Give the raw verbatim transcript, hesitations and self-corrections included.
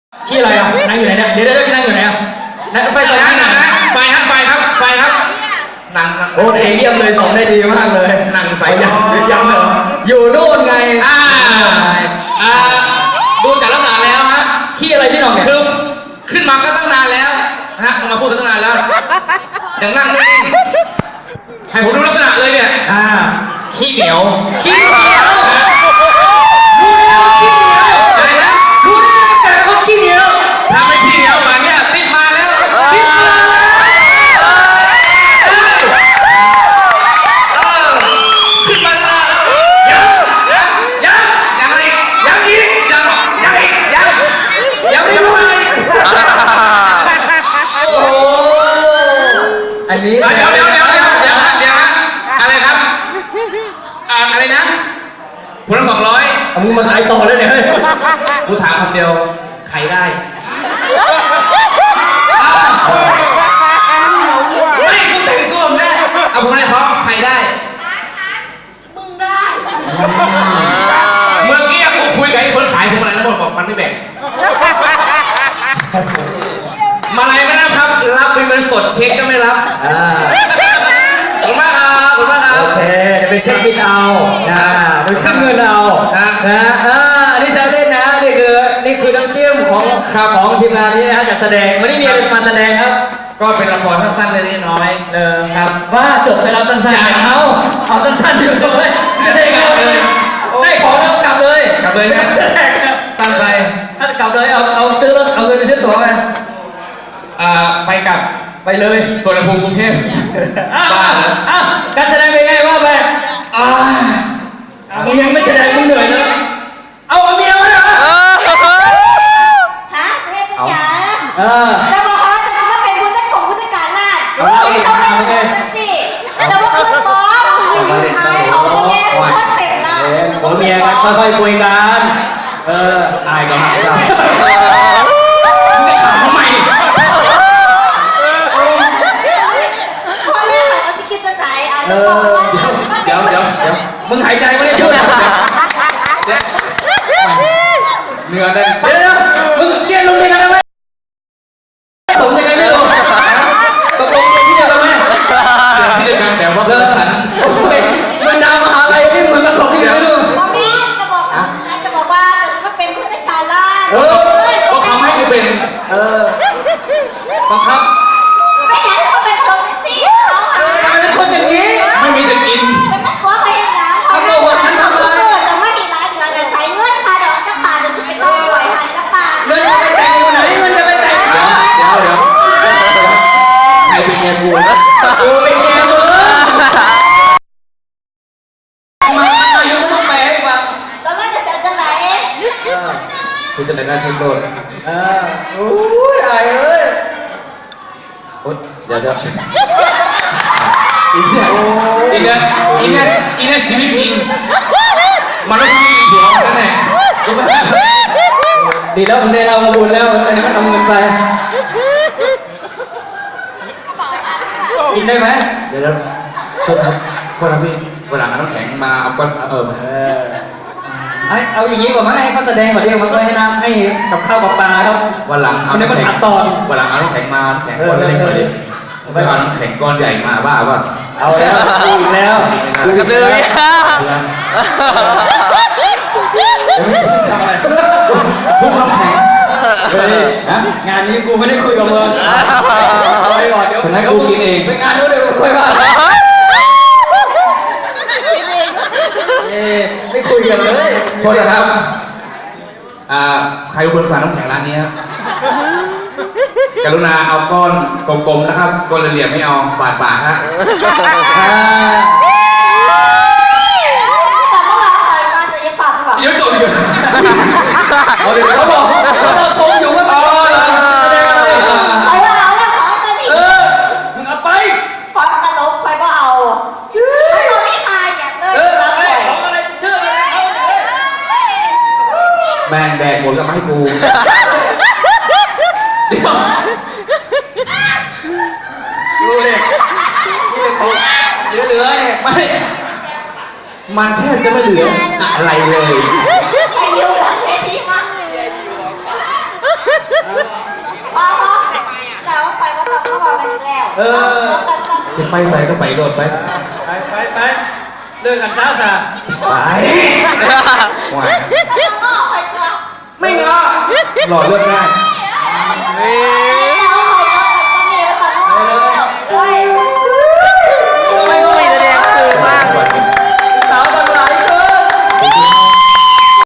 ที่อะไรอ่ะนั่งอยู่ไหนเนี่ยเดี๋ยวเดี๋ยวนั่งอยู่ไหนอ่ะนั่งไฟสองที่ไหนไฟครับไฟครับไฟครับนั่งโอเคเยี่ยมเลยส่งได้ดีมากเลยนั่งใส่ยังยังเหรออยู่นู่นไงอ่าอ่าดูจากลักษณะแล้วฮะที่อะไรพี่น้องเนี่ยคือขึ้นมาก็ตั้งนานแล้วนะมาพูดกันตั้งนานแล้วยังนั่งนิ่งให้ผมดูลักษณะเลยเนี่ยอ่าขี้เหนียวขี้เหนียวรู้แล้วขี้เหนียวอะไรนะรู้แล้วแต่คนขี้เหนียวทำให้ขี้เหนียวแบบเนี้ยติดมาแล้วติดมาแล้วขึ้นมาตั้งนานแล้วยังยังยังยังอะไรยังอีกยังยังอีกยังยังไม่รู้อะไรโอ้อันนี้เดี๋ยวเดี๋ยวเดี๋ยวเดี๋ยวเดี๋ยวเดี๋ยวอะไรครับอะไรนะคุณละสองร้อยเอามึงมาขายต่อเลยเนี่ยกูถามคำเดียวใครได้ไม่กูแต่งตัวไม่ได้เอาผมได้เพราะใครได้มึงได้เมื่อกี้กูคุยกับไอ้คนขายผมอะไรแล้วหมดบอกมันไม่แบ่งมาอะไรไม่รับครับรับเป็นเงินสดเช็คก็ไม่รับขอบคุณมากครับขอบคุณมากครับโอเคเดี๋ยวไปเช็คบิลเอานะไปขึ้นเงินเอานะอ่าอันนี้แซวเล่นนะนี่คือนี่คือน้ำจิ้มของข่าวของทีมงานนี้นะฮะจัดแสดงไม่ได้มีอะไรมาแสดงครับก็เป็นละครสั้นๆเล็กๆน้อยๆเออครับว่าจบไปแล้วสั้นๆเอาเอาสั้นๆเดี๋ยวจบเลยไม่ได้กลับเลยได้ของแล้วกลับเลยกลับเลยไม่ต้องแสดงครับสั้นไปถ้ากลับเลยเอาเอาซื้อรถเอาเงินไปซื้อตั๋วไปอ่าไปกลับไปเลยส่วนภูมิกรุงเทพบ้าเหรออ้าวการแสดงเป็นไงว่าไปอ่ามึงยังไม่แสดงมึงเหนื่อยนะเอาเมียมาเหรอฮะเรียกจ๋าเออจะบอกเขาจะว่าเป็นผู้จัดของผู้จัดการร้านไม่ต้องเป็นผู้จัดสิแต่ว่าคือบอสสุดท้ายเขาแย่โคตรเต็มหน้าของเมียกันค่อยๆคุยกันเอออายก็หายใจจะถามทำไมเออเดี๋ยวเดี๋ยวเดี๋ยวมึงหายใจไม่ได้พูดนะเนื้อเด่นเดี๋ยวเดี๋ยวมึงเรียนโรงเรียนกันได้ไหมผมยังไงไม่รู้ตกลงเรียนที่เดียวกันไหมเรียนที่เดียวกันแต่ว่าเลิกฉันมันดาวมหาลัยนี่เหมือนกับของที่เดียวกันพ่อแม่จะบอกจะบอกว่าจะมาเป็นผู้จัดการร้านเออเขาทำให้กูเป็นเออบังคับไม่อยากให้เขาเป็นคนสิเออเป็นคนอย่างนี้ไม่มีจะกินจะไม่ขอไปยังไงเขาไม่ขอฉันทำอะไรจะไม่มีร้านเดือนแต่ใส่เงื่อนค่ะเดี๋ยวจะป่าจะไปต้องปล่อยหันจะป่าเงินจะไปแต่งอยู่ไหนเงินจะไปแต่งเดี๋ยวเดี๋ยวเดี๋ยวใครเป็นเมียกูนะกูเป็นเมียมึงมามาอยู่ก็ต้องแปลให้ฟังแล้วก็จะจะไหนคุณจะไหนได้ทุนโดนเออโอ้ยอายเอ้ยโอ๊ยเดี๋ยวเดี๋ยวอีกเนี่ยอีกเนี่ยอีกเนี่ยอีกเนี่ยชีวิตจริงมันต้องมีหัวนั่นแหละดีแล้วผมได้เรามาบุญแล้วอันนี้ก็ทำเงินไปกินได้ไหมเดี๋ยวโทษครับโทษนะพี่เวลาน้ำแข็งมาเอาก้อนเออเอาอย่างนี้ก่อนมั้งให้เขาแสดงก่อนเดียวมันก็ให้น้ำให้กับข้าวกับปลาครับวันหลังเอาน้ำแข็งตอนวันหลังเอาน้ำแข็งมาแข็งก้อนเล็กๆเลยไม่เอาน้ำแข็งก้อนใหญ่มาบ้าป่ะเอาแล้วอีกแล้วกระตือรือร้นทุกน้ำแข็งงานนี้กูไม่ได้คุยกับมึงเอาไปก่อนเดี๋ยวฉันให้กูกินเองไปงานนู้นเดี๋ยวคุยว่าไม่คุยกันเลยโทษนะครับอ่าใครเป็นคนสั่งน้ำแข็งร้านนี้ครับกรุณาเอาก้อนกลมๆนะครับก้อนเหลี่ยมไม่เอาบาดปากฮะแต่เมื่อวานใส่มาจะยังปากหรอยังจบอยู่เขาบอกเขาเราชมอยู่ว่าอ๋อไฟว่าเอาแล้วขอจะนี่เออมึงเอาไปขอตลกไฟว่าเอาถ้าเราไม่ทายอย่างเลยรับหน่อยเชื่อแม่งแดกหมดก็มาให้กูเดี๋ยวดูเลยเหลือๆไม่มันแทบจะไม่เหลืออะไรเลยอายุหลังเวทีมั้งเออจะไปใส่ก็ไปโดดไปไปไปไปเลิกกันซะซะไปหวานไม่งอหล่อเลือกได้